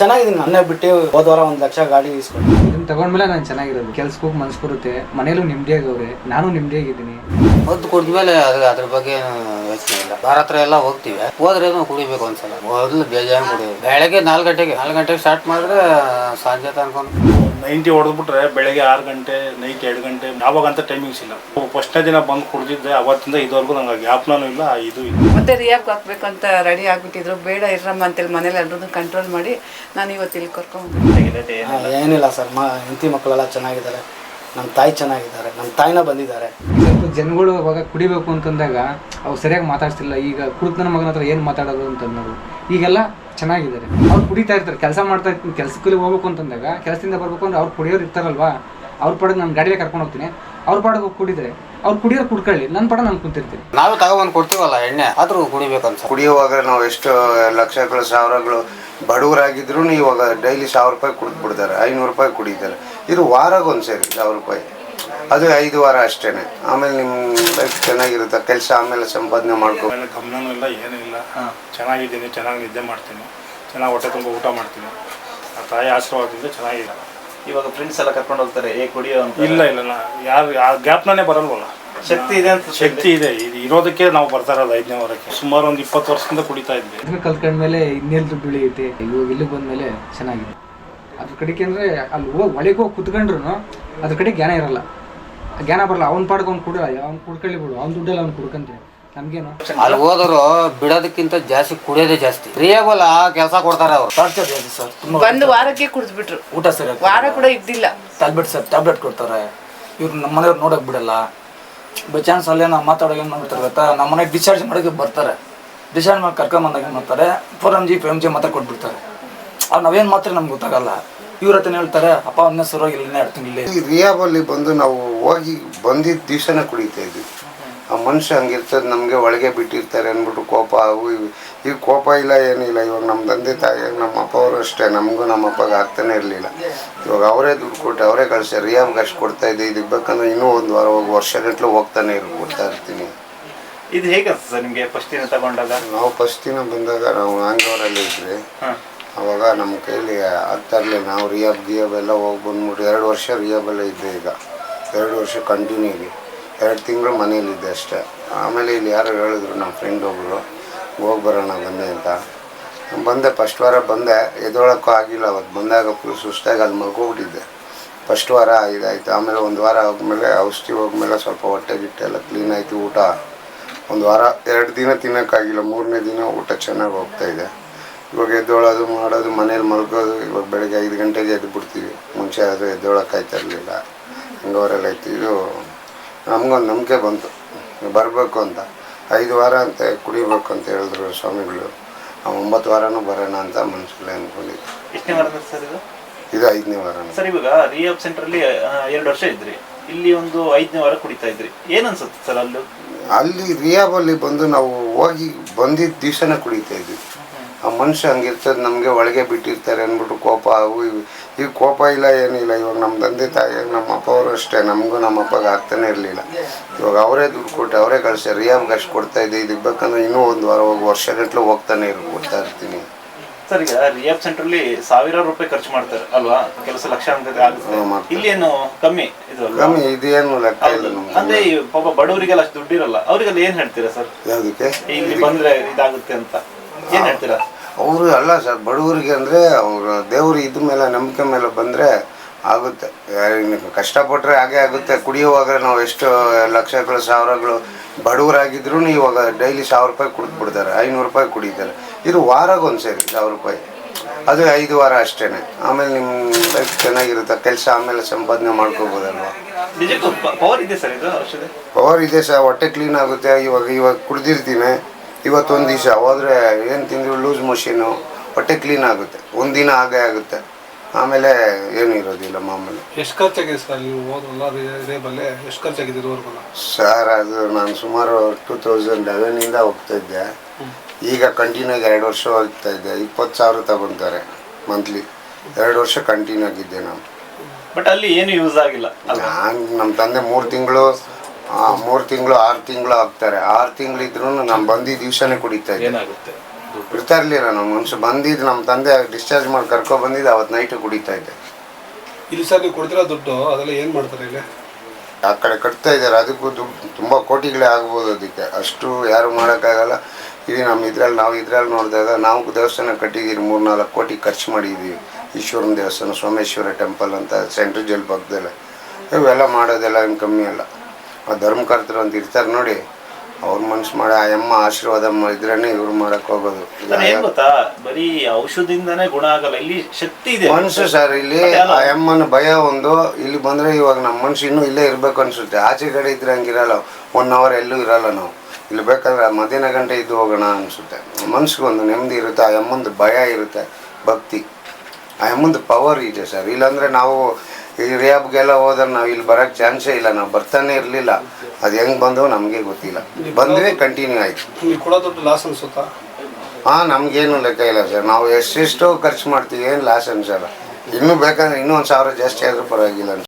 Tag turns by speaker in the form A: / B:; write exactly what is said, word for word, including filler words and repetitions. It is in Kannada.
A: ಚೆನ್ನಾಗಿದ್ದೀನಿ. ನನ್ನೇ ಬಿಟ್ಟು ಹೋದ ವಾರ ಒಂದು ಲಕ್ಷ ಗಾಡಿ ಇಸ್ಕೊಂಡು
B: ಇದನ್ನ ತಗೊಂಡ್ಮೇಲೆ ನಾನು ಚೆನ್ನಾಗಿರೋದು. ಕೆಲ್ಸಕ್ಕೆ ಹೋಗಿ ಮನ್ಸು ಬರುತ್ತೆ, ಮನೇಲೂ ನೆಮ್ಮದಿಯಾಗವ್ರೆ, ನಾನು ನೆಮ್ಮದಿಯಾಗಿದ್ದೀನಿ.
C: ಹೊತ್ತು ಕುಡಿದ್ಮೇಲೆ ಅದ್ರ ಅದ್ರ ಬಗ್ಗೆ ಯೋಚನೆ ಇಲ್ಲ. ಬಾರ ಹತ್ರ ಎಲ್ಲ ಹೋಗ್ತೀವಿ, ಹೋದ್ರೇನು ಕುಡಿಬೇಕು ಒಂದ್ಸಲ. ಮೊದಲು ಬೇಜಾರು ಕುಡಿಯೋದು. ಬೆಳಗ್ಗೆ ನಾಲ್ಕು ಗಂಟೆಗೆ ನಾಲ್ಕು ಗಂಟೆಗೆ ಸ್ಟಾರ್ಟ್ ಮಾಡಿದ್ರೆ ಸಂಜೆ ತನಕ
D: ನೈಂಟಿ ಹೊಡೆದ್ಬಿಟ್ರೆ ಬೆಳಗ್ಗೆ ಆರು ಗಂಟೆ ನೈಟ್ ಎರಡು ಗಂಟೆ ಯಾವಾಗಂತ ಟೈಮಿಂಗ್ಸ್ ಇಲ್ಲ. ಫಸ್ಟ್ನೇ ದಿನ ಬಂದು ಕುಡಿದಿದ್ದೆ, ಅವತ್ತಿಂದ ಇದುವರೆಗೂ ನಂಗೆ ಜ್ಞಾಪನೂ ಇಲ್ಲ. ಇದು ಇಲ್ಲ.
E: ಮತ್ತೆ ರಿಯಾಬ್ ಹಾಕ್ಬೇಕು ಅಂತ ರೆಡಿ ಆಗ್ಬಿಟ್ಟಿದ್ರು. ಬೇಡ ಇರಮ್ಮ ಅಂತೇಳಿ ಮನೇಲಿ ಎಲ್ಲರೂ ಕಂಟ್ರೋಲ್ ಮಾಡಿ ನಾನು ಇವತ್ತು ಇಲ್ಲಿ ಕರ್ಕೊಂಡು
A: ಏನಿಲ್ಲ ಸರ್. ಮ ಹೆಂಡತಿ ಮಕ್ಕಳೆಲ್ಲ ಚೆನ್ನಾಗಿದ್ದಾರೆ, ನಮ್ಮ ತಾಯಿ ಚೆನ್ನಾಗಿದ್ದಾರೆ, ನಮ್ಮ ತಾಯಿನ ಬಂದಿದ್ದಾರೆ.
B: ಸ್ವಲ್ಪ ಜನಗಳು ಅವಾಗ ಕುಡಿಬೇಕು ಅಂತಂದಾಗ ಅವ್ರು ಸರಿಯಾಗಿ ಮಾತಾಡ್ತಿಲ್ಲ. ಈಗ ಕುಡಿದ ಮಗನ ಹತ್ರ ಏನು ಮಾತಾಡೋದು ಅಂತಂದ್ರು. ಈಗೆಲ್ಲ ಚೆನ್ನಾಗಿದ್ದಾರೆ. ಅವ್ರು ಕುಡಿತಾ ಇರ್ತಾರೆ, ಕೆಲಸ ಮಾಡ್ತಾ ಇರ್ತೀನಿ. ಕೆಲಸಕ್ಕೆ ಹೋಗ್ಬೇಕು ಅಂತಂದಾಗ ಕೆಲಸದಿಂದ ಬರ್ಬೇಕು ಅಂದ್ರೆ ಅವ್ರು ಕುಡಿಯೋರು ಇರ್ತಾರಲ್ವಾ, ಅವ್ರ ಪಡೆದು ನಾನು ಗಾಡಿಗೆ ಕರ್ಕೊಂಡು ಹೋಗ್ತೀನಿ. ಅವ್ರ ಪಾಡಿಗೆ ಹೋಗಿ ಕುಡಿದ್ರೆ ಅವ್ರು ಕುಡಿಯೋರು ಕುಡ್ಕೊಳ್ಳಿ, ನನ್ನ ಪಡ ನಾನು ಕುಂತಿರ್ತೀನಿ.
C: ನಾವು ತಗೊಬಂದು ಕೊಡ್ತೀವಲ್ಲ ಎಣ್ಣೆ, ಆದ್ರೂ ಕುಡಿಬೇಕು ಅನ್ಸ.
F: ಕುಡಿಯುವಾಗ ನಾವು ಎಷ್ಟು ಲಕ್ಷಗಳು ಸಾವಿರಗಳು ಬಡವರಾಗಿದ್ರು ಇವಾಗ ಡೈಲಿ ಸಾವಿರ ರೂಪಾಯಿ ಕುಡಿದು ಬಿಡ್ತಾರೆ, ಐನೂರು ರೂಪಾಯಿ ಕುಡಿತಾರೆ. ಇದು ವಾರಾಗ ಒಂದು ಸೇರಿ ಸಾವಿರ ರೂಪಾಯಿ, ಅದು ಐದು ವಾರ ಅಷ್ಟೇ. ಆಮೇಲೆ ನಿಮ್ಮ ಲೈಫ್ ಚೆನ್ನಾಗಿರುತ್ತೆ, ಕೆಲಸ ಆಮೇಲೆ ಸಂಪಾದನೆ ಮಾಡ್ಕೊ.
D: ಆಮೇಲೆ ಗಮನನೂ ಇಲ್ಲ, ಏನೂ ಇಲ್ಲ. ಚೆನ್ನಾಗಿದ್ದೀನಿ, ಚೆನ್ನಾಗಿ ನಿದ್ದೆ ಮಾಡ್ತೀನಿ, ಚೆನ್ನಾಗಿ ಹೊಟ್ಟೆ ತುಂಬ ಊಟ ಮಾಡ್ತೀನಿ. ಆ ತಾಯಿ ಆಶೀರ್ವಾದದಿಂದ ಚೆನ್ನಾಗಿದೆ.
G: ಇವಾಗ ಫ್ರೆಂಡ್ಸ್ ಎಲ್ಲ ಕರ್ಕೊಂಡು ಹೋಗ್ತಾರೆ, ಏ ಕುಡಿಯೋ ಅಂತ.
D: ಇಲ್ಲ ಇಲ್ಲ ನಾ ಯಾರು ಆ ಗ್ಯಾಪ್ನೇ ಬರಲ್ವಲ್ಲ.
G: ಶಕ್ತಿ ಇದೆ ಅಂತ.
D: ಶಕ್ತಿ ಇದೆ, ಇದು ಇರೋದಕ್ಕೆ ನಾವು ಬರ್ತಾ ಇರೋದು ಐದನೇ ವಾರಕ್ಕೆ. ಸುಮಾರು ಒಂದು ಇಪ್ಪತ್ತು ವರ್ಷದಿಂದ ಕುಡಿತಾ ಇದ್ವಿ.
B: ಇದನ್ನ ಕಲ್ತ್ಕೊಂಡ್ಮೇಲೆ ಇನ್ನೆಲ್ದು ಬೆಳೆಯುತ್ತೆ. ಇವಾಗ ಇಲ್ಲಿಗೆ ಬಂದಮೇಲೆ ಚೆನ್ನಾಗಿದೆ. ಅದ್ರ ಕಡೆಗೆ ಅಂದರೆ ಅಲ್ಲಿ ಹೋಗಿ ಒಳಗೆ ಹೋಗಿ ಕುತ್ಕೊಂಡ್ರು ಅದ್ರ ಕಡೆ ಜ್ಞಾನ ಇರಲ್ಲ, ಜ್ಞಾನ ಬರಲ್ಲ. ಅವ್ನ ಪಾಡ್ಗೆ ಅವ್ನು ಕುಡಿಯಲ್ಲ, ಅವ್ನು ಕುಡ್ಕೊಳ್ಳಿ ಬಿಡು, ಅವ್ನ ದುಡ್ಡಲ್ಲಿ ಅವ್ನು ಕುಡ್ಕಂತೀವಿ. ನಮ್ಗೇನು
C: ಅಲ್ಲಿ ಹೋದ್ರು ಬಿಡೋದಕ್ಕಿಂತ ಜಾಸ್ತಿ ಕುಡಿಯೋದೇ ಜಾಸ್ತಿ. ಫ್ರೀಯಾಗಲ್ಲ ಕೆಲಸ ಕೊಡ್ತಾರೆ ಅವರು.
A: ಟಾರ್ಚರ್ ಜಾಸ್ತಿ ಸರ್. ತುಂಬ
E: ಒಂದು ವಾರಕ್ಕೆ ಕುಡಿದ್ಬಿಟ್ರು.
A: ಊಟ ಸರಿ
E: ವಾರ ಕೂಡ ಇದ್ದಿಲ್ಲ.
A: ಟ್ಯಾಬ್ಲೆಟ್ ಸರ್ ಟ್ಯಾಬ್ಲೆಟ್ ಕೊಡ್ತಾರೆ. ಇವ್ರು ನಮ್ಮ ಮನೆಯವ್ರು ನೋಡೋಕೆ ಬಿಡಲ್ಲ. ಬೈ ಚಾನ್ಸ್ ಅಲ್ಲೇ ನಾವು ಮಾತಾಡೋಕೆ ಏನು ಮಾಡ್ತಾರೆ ಗೊತ್ತಾ, ನಮ್ಮ ಮನೆಗೆ ಡಿಸ್ಚಾರ್ಜ್ ಮಾಡೋಕ್ಕೆ ಬರ್ತಾರೆ. ಡಿಸ್ಚಾರ್ಜ್ ಮಾಡಿ ಕರ್ಕೊಂಬಂದಾಗ ಏನು ಮಾಡ್ತಾರೆ, four M G five M G ಮಾತ್ರ ಕೊಟ್ಬಿಡ್ತಾರೆ. ಅವ್ರು ನಾವೇನು ಮಾತ್ರ ನಮ್ಗೆ ಗೊತ್ತಾಗಲ್ಲ. ಇವ್ರ ಹತ್ರ ಹೇಳ್ತಾರೆ, ಅಪ್ಪ ಒಂದೇ ಸರೋಗಿ ಇಲ್ಲೇ ಎರಡು ತಿಂಗಳು
F: ಈ ರಿಯಾಬಲ್ಲಿ ಬಂದು ನಾವು ಹೋಗಿ ಬಂದಿದ್ದ ದಿವಸನೇ ಕುಡಿತಾ ಇದ್ವಿ. ಆ ಮನುಷ್ಯ ಹಂಗಿರ್ತದೆ, ನಮಗೆ ಒಳಗೆ ಬಿಟ್ಟಿರ್ತಾರೆ ಅಂದ್ಬಿಟ್ಟು ಕೋಪ ಅವು ಇವು. ಈಗ ಕೋಪ ಇಲ್ಲ, ಏನಿಲ್ಲ. ಇವಾಗ ನಮ್ಮ ತಂದೆ ತಾಯಿ ನಮ್ಮ ಅಪ್ಪ ಅವರು ಅಷ್ಟೇ, ನಮಗೂ ನಮ್ಮ ಅಪ್ಪಗೆ ಆಗ್ತಾನೆ ಇರಲಿಲ್ಲ. ಇವಾಗ ಅವರೇ ದುಡ್ಡು ಕೊಟ್ಟು ಅವರೇ ಕಳಿಸಿ ರಿಯಾಬ್ಗೆ ಅಷ್ಟು ಕೊಡ್ತಾ ಇದ್ದೆ. ಇದಕ್ಕೆ ಬೇಕಂದ್ರೆ ಇನ್ನೂ ಒಂದು ವಾರ ಹೋಗಿ ವರ್ಷ ಗಂಟಲು ಹೋಗ್ತಾನೆ ಇರು ಕೊಡ್ತಾ ಇರ್ತೀನಿ.
G: ಇದು ಹೇಗೆ ಸರ್ ನಿಮಗೆ ಫಸ್ಟ್ ದಿನ ತಗೊಂಡಾಗ?
F: ನಾವು ಫಸ್ಟ್ ದಿನ ಬಂದಾಗ ನಾವು ಆಂಗ್ಳೂರಲ್ಲಿ ಇದ್ವಿ. ಅವಾಗ ನಮ್ಮ ಕೈಲಿ ಆಗ್ತಾ ಇರಲಿಲ್ಲ. ನಾವು ರಿಯಾಬ್ ಗಿಯಾಬ್ ಎಲ್ಲ ಹೋಗಿ ಬಂದ್ಬಿಟ್ಟು ಎರಡು ವರ್ಷ ರಿಯಾಬಲ್ಲೇ ಇದ್ದೆ. ಈಗ ಎರಡು ವರ್ಷ ಕಂಟಿನ್ಯೂ ಇದೆ. ಎರಡು ತಿಂಗಳು ಮನೇಲಿದ್ದೆ ಅಷ್ಟೇ. ಆಮೇಲೆ ಇಲ್ಲಿ ಯಾರು ಹೇಳಿದ್ರು, ನಮ್ಮ ಫ್ರೆಂಡ್ ಒಬ್ಬರು ಹೋಗಿ ಬರೋಣ ಬಂದೆ ಅಂತ ಬಂದೆ. ಫಸ್ಟ್ ವಾರ ಬಂದೆ, ಎದೊಳಕ್ಕೂ ಆಗಿಲ್ಲ. ಅವತ್ತು ಬಂದಾಗ ಫುಲ್ ಸುಸ್ತಾಗಿ ಅಲ್ಲಿ ಮಲ್ಕೊಬಿಟ್ಟಿದ್ದೆ. ಫಸ್ಟ್ ವಾರ ಇದಾಯಿತು. ಆಮೇಲೆ ಒಂದು ವಾರ ಹೋಗ್ಮೇಲೆ ಔಷಧಿ ಹೋಗ್ಮೇಲೆ ಸ್ವಲ್ಪ ಹೊಟ್ಟೆ ಗಿಟ್ಟೆ ಎಲ್ಲ ಕ್ಲೀನ್ ಆಯಿತು. ಊಟ ಒಂದು ವಾರ ಎರಡು ದಿನ ತಿನ್ನೋಕ್ಕಾಗಿಲ್ಲ. ಮೂರನೇ ದಿನ ಊಟ ಚೆನ್ನಾಗಿ ಹೋಗ್ತಾಯಿದೆ. ಇವಾಗ ಎದ್ದೊಳೋದು ಮಾಡೋದು, ಮನೇಲಿ ಮಲ್ಕೋದು. ಇವಾಗ ಬೆಳಗ್ಗೆ ಐದು ಗಂಟೆಗೆ ಎದ್ದು ಬಿಡ್ತೀವಿ. ಮುಂಚೆ ಅದು ಎದ್ದೊಳಕ್ಕಾಯ್ತಾ ಇರಲಿಲ್ಲ. ಹಂಗವರೆಲ್ಲ ಇತ್ತು. ಇದು ನಮಗೊಂದು ನಂಬಿಕೆ ಬಂತು ಬರಬೇಕು ಅಂತ. ಐದು ವಾರ ಅಂತ ಕುಡಿಬೇಕು ಅಂತ ಹೇಳಿದ್ರು ಸ್ವಾಮಿಗಳು. ಒಂಬತ್ತು ವಾರನೂ ಬರೋಣ ಅಂತ ಮನಸ್ಸಲ್ಲಿ ಅಂದ್ಕೊಂಡಿದ್ದೆ.
G: ಎಷ್ಟನೇ ವಾರ ಸರ್ ಇದು?
F: ಇದು ಐದನೇ ವಾರ
G: ಸರ್. ಇವಾಗ ರಿಯಾಬ್ ಸೆಂಟ್ರಲ್ಲಿ ಎರಡು ವರ್ಷ ಇದ್ರಿ, ಇಲ್ಲಿ ಒಂದು ಐದನೇ ವಾರ ಕುಡಿತಾ ಇದ್ರಿ. ಏನು ಅನ್ಸುತ್ತೆ ಸರ್ ಅಲ್ಲೂ?
F: ಅಲ್ಲಿ ರಿಯಾಬಲ್ಲಿ ಬಂದು ನಾವು ಹೋಗಿ ಬಂದಿದ್ದ ದಿವಸನೇ ಕುಡಿತಾ ಇದ್ವಿ. ಆ ಮನುಷ್ಯ ಹಂಗಿರ್ತದೆ, ನಮಗೆ ಒಳಗೆ ಬಿಟ್ಟಿರ್ತಾರೆ ಅಂದ್ಬಿಟ್ಟು ಕೋಪ ಅವು ಇವು. ಈಗ ಕೋಪ ಇಲ್ಲ, ಏನಿಲ್ಲ. ಇವಾಗ ನಮ್ಮ ತಂದೆ ತಾಯಿ ನಮ್ಮ ಅಪ್ಪ ಅವರು ಅಷ್ಟೇ, ನಮಗೂ ನಮ್ಮ ಅಪ್ಪಗೆ ಆಗ್ತಾನೆ ಇರಲಿಲ್ಲ. ಇವಾಗ ಅವರೇ ದುಡ್ಡು ಕೊಟ್ಟು ಅವರೇ ಕಳಿಸಿ ರಿಯಾಬ್ಗೆ ಅಷ್ಟು ಕೊಡ್ತಾ ಇದ್ದೆ. ಇದಕ್ಕೆ ಬೇಕಂದ್ರೆ ಇನ್ನೂ ಒಂದು ವಾರ ಹೋಗಿ ವರ್ಷ ಗಂಟಲು ಹೋಗ್ತಾನೆ ಇರು ಕೊಡ್ತಾ ಇರ್ತೀನಿ.
G: ಸರ್ ಈಗ ರಿಯಾಬ್ ಸೆಂಟ್ರಲ್ಲಿ ಸಾವಿರಾರು ರೂಪಾಯಿ ಖರ್ಚು ಮಾಡ್ತಾರೆ ಅಲ್ವಾ? ಕೆಲಸ ಲಕ್ಷ ಆಗುತ್ತೆ. ಇಲ್ಲಿ ಏನು ಕಮ್ಮಿ ಇದು
F: ಕಮ್ಮಿ ಇದೇನು ಲೆಕ್ಕ ಇಲ್ಲ ನಮ್ಗೆ.
G: ಅಂದ್ರೆ ಪಾಪ ಬಡವರಿಗೆಲ್ಲ ಅಷ್ಟು ದುಡ್ಡಿರಲ್ಲ. ಅವರಿಗೆಲ್ಲ ಏನ್ ಹೇಳ್ತೀರಾ ಸರ್?
F: ಯಾವುದಕ್ಕೆ
G: ಇಲ್ಲಿ ಬಂದ್ರೆ ಇದಾಗುತ್ತೆ ಅಂತ ಏನ್ ಹೇಳ್ತೀರಾ?
F: ಅವರು ಅಲ್ಲ ಸರ್, ಬಡವರಿಗೆ ಅಂದರೆ ಅವರು ದೇವರು ಇದ್ರ ಮೇಲೆ ನಂಬಿಕೆ ಮೇಲೆ ಬಂದರೆ ಆಗುತ್ತೆ. ಕಷ್ಟಪಟ್ಟರೆ ಹಾಗೆ ಆಗುತ್ತೆ. ಕುಡಿಯುವಾಗ ನಾವು ಎಷ್ಟು ಲಕ್ಷಗಳು ಸಾವಿರಗಳು ಬಡವರಾಗಿದ್ರು ಇವಾಗ ಡೈಲಿ ಸಾವಿರ ರೂಪಾಯಿ ಕುಡಿದು ಬಿಡ್ತಾರೆ, ಐನೂರು ರೂಪಾಯಿ ಕುಡಿತಾರೆ. ಇದು ವಾರಾಗ ಒಂದು ಸೇರಿ ಸಾವಿರ ರೂಪಾಯಿ, ಅದು ಐದು ವಾರ ಅಷ್ಟೇ. ಆಮೇಲೆ ನಿಮ್ಮ ಲೈಫ್ ಚೆನ್ನಾಗಿರುತ್ತೆ, ಕೆಲಸ ಆಮೇಲೆ ಸಂಪಾದನೆ ಮಾಡ್ಕೋಬೋದಲ್ವ.
G: ಪವರ್ ಇದೆ ಸರ್ ಇದು ಔಷಧಿ?
F: ಪವರ್ ಇದೆ ಸರ್. ಹೊಟ್ಟೆ ಕ್ಲೀನ್ ಆಗುತ್ತೆ. ಇವಾಗ ಇವಾಗ ಕುಡ್ದಿರ್ತೀನಿ, ಇವತ್ತೊಂದು ದಿವಸ ಹೋದರೆ ಏನು ತಿಂದ್ರು ಲೂಸ್ ಮೋಷನು, ಹೊಟ್ಟೆ ಕ್ಲೀನ್ ಆಗುತ್ತೆ. ಒಂದು ದಿನ ಹಾಗೆ ಆಗುತ್ತೆ, ಆಮೇಲೆ ಏನೂ ಇರೋದಿಲ್ಲ ಮಾಮೂಲಿ.
H: ಎಷ್ಟು ಖರ್ಚಾಗಿದೆ ಸರ್ ನೀವು ಹೋದ್ರಲ್ಲ ರೇಬಲ್ಲೇ? ಎಷ್ಟು ಖರ್ಚಾಗಿದೆ ಇದುವರೆಗೂ?
F: ಸರ್ ಅದು ನಾನು ಸುಮಾರು ಟೂ ತೌಸಂಡ್ ಲೆವೆನಿಂದ ಹೋಗ್ತಾಯಿದ್ದೆ. ಈಗ ಕಂಟಿನ್ಯೂಗೆ ಎರಡು ವರ್ಷ ಹೋಗ್ತಾ ಇದ್ದೆ. ಇಪ್ಪತ್ತು ಸಾವಿರ ತಗೊತಾರೆ ಮಂತ್ಲಿ. ಎರಡು ವರ್ಷ ಕಂಟಿನ್ಯೂ ಆಗಿದ್ದೆ ನಾನು.
G: ಬಟ್ ಅಲ್ಲಿ ಏನು ಯೂಸ್ ಆಗಿಲ್ಲ.
F: ನಾನು ನಮ್ಮ ತಂದೆ ಮೂರು ತಿಂಗಳು ಮೂರು ತಿಂಗಳು ಆರು ತಿಂಗಳು ಆಗ್ತಾರೆ. ಆರು ತಿಂಗಳಿದ್ರು ನಾನು ಬಂದಿದ್ದ ದಿವಸನೇ ಕುಡಿತಾ ಇದ್ದೆ.
H: ಏನಾಗುತ್ತೆ?
F: ಇರ್ತಾ ಇರಲಿಲ್ಲ ನಮ್ಮ ಮನುಷ್ಯ ಬಂದಿದ್ದು ನಮ್ಮ ತಂದೆ ಡಿಸ್ಚಾರ್ಜ್ ಮಾಡಿ ಕರ್ಕೊ ಬಂದಿದ್ದು ಅವತ್ತು ನೈಟು ಕುಡಿತಾ ಇದ್ದೆ.
H: ಇಲ್ಲಿ ಸರ್ ನೀವು ಕೊಡ್ತಿರೋ ದುಡ್ಡು ಅದೆಲ್ಲ ಏನು ಮಾಡ್ತಾರೆ ಇಲ್ಲಿ?
F: ಆ ಕಡೆ ಕಟ್ತಾ ಇದ್ದಾರೆ, ಅದಕ್ಕೂ ದುಡ್ಡು ತುಂಬ ಕೋಟಿಗಳೇ ಆಗ್ಬೋದು. ಅದಕ್ಕೆ ಅಷ್ಟು ಯಾರು ಮಾಡೋಕ್ಕಾಗಲ್ಲ. ಇದು ನಮ್ಮ ಇದ್ರಲ್ಲಿ ನಾವು ಇದ್ರಲ್ಲಿ ನೋಡಿದಾಗ ನಾವು ದೇವಸ್ಥಾನ ಕಟ್ಟಿದ್ದೀರಿ, ಮೂರು ನಾಲ್ಕು ಕೋಟಿ ಖರ್ಚು ಮಾಡಿದ್ದೀವಿ. ಈಶ್ವರನ ದೇವಸ್ಥಾನ, ಸೋಮೇಶ್ವರ ಟೆಂಪಲ್ ಅಂತ ಸೆಂಟ್ರಲ್ ಜೈಲ್ ಪಕ್ಕದಲ್ಲೇ. ಇವೆಲ್ಲ ಮಾಡೋದೆಲ್ಲ ಏನು ಕಮ್ಮಿ ಅಲ್ಲ. ಆ ಧರ್ಮಕರ್ತರು ಅಂತ ಇರ್ತಾರೆ ನೋಡಿ, ಅವ್ರ ಮನ್ಸು ಮಾಡಿ ಆ ಅಮ್ಮ ಆಶೀರ್ವಾದ ಇದ್ರೇನೆ ಇವ್ರು ಮಾಡಕ್ ಹೋಗೋದು.
G: ಏನ್ ಗೊತ್ತಾ, ಬರೀ ಔಷಧಿಯಿಂದಾನೇ ಗುಣ ಆಗಲ್ಲ, ಇಲ್ಲಿ ಶಕ್ತಿ ಇದೆ
F: ಮನ್ಸು ಸರ್. ಇಲ್ಲಿ ಆ ಅಮ್ಮನ ಭಯ ಒಂದು, ಇಲ್ಲಿ ಬಂದ್ರೆ ಇವಾಗ ನಮ್ಮ ಮನ್ಸು ಇನ್ನೂ ಇಲ್ಲೇ ಇರ್ಬೇಕು ಅನ್ಸುತ್ತೆ. ಆಚೆ ಕಡೆ ಇದ್ರೆ ಹಂಗಿರಲ್ಲ, ಒನ್ ಅವರ್ ಎಲ್ಲೂ ಇರಲ್ಲ ನಾವು. ಇಲ್ಲಿ ಬೇಕಾದ್ರೆ ಮಧ್ಯಾಹ್ನ ಗಂಟೆ ಇದ್ದು ಹೋಗೋಣ ಅನ್ಸುತ್ತೆ. ಮನ್ಸಿಗೆ ಒಂದು ನೆಮ್ಮದಿ ಇರುತ್ತೆ. ಆ ಅಮ್ಮಂದು ಭಯ ಇರುತ್ತೆ, ಭಕ್ತಿ. ಆ ಅಮ್ಮಂದು ಪವರ್ ಇದೆ ಸರ್. ಇಲ್ಲಾಂದ್ರೆ ನಾವು ಈ ರಿಯಾಬ್ಗೆಲ್ಲ ಹೋದ್ರೆ ನಾವು ಇಲ್ಲಿ ಬರೋಕ್ಕೆ ಚಾನ್ಸೇ ಇಲ್ಲ. ನಾವು ಬರ್ತಾನೆ ಇರಲಿಲ್ಲ. ಅದು ಹೆಂಗೆ ಬಂದವು ನಮಗೆ ಗೊತ್ತಿಲ್ಲ. ಬಂದರೆ ಕಂಟಿನ್ಯೂ ಆಯಿತು.
H: ನೀವು ಕೊಡೋ ದುಡ್ಡು ಲಾಸ್ ಅನ್ಸುತ್ತಾ?
F: ಹಾಂ, ನಮಗೇನು ಲೆಕ್ಕ ಇಲ್ಲ ಸರ್. ನಾವು ಎಷ್ಟೆಷ್ಟೋ ಖರ್ಚು ಮಾಡ್ತೀವಿ, ಏನು ಲಾಸ್ ಅನ್ಸಲ್ಲ. ಇನ್ನೂ ಬೇಕಾದ್ರೆ ಇನ್ನೂ ಒಂದು ಸಾವಿರ ಜಾಸ್ತಿ ಆದರೂ ಪರವಾಗಿಲ್ಲ ಅನ್ಸುತ್ತೆ.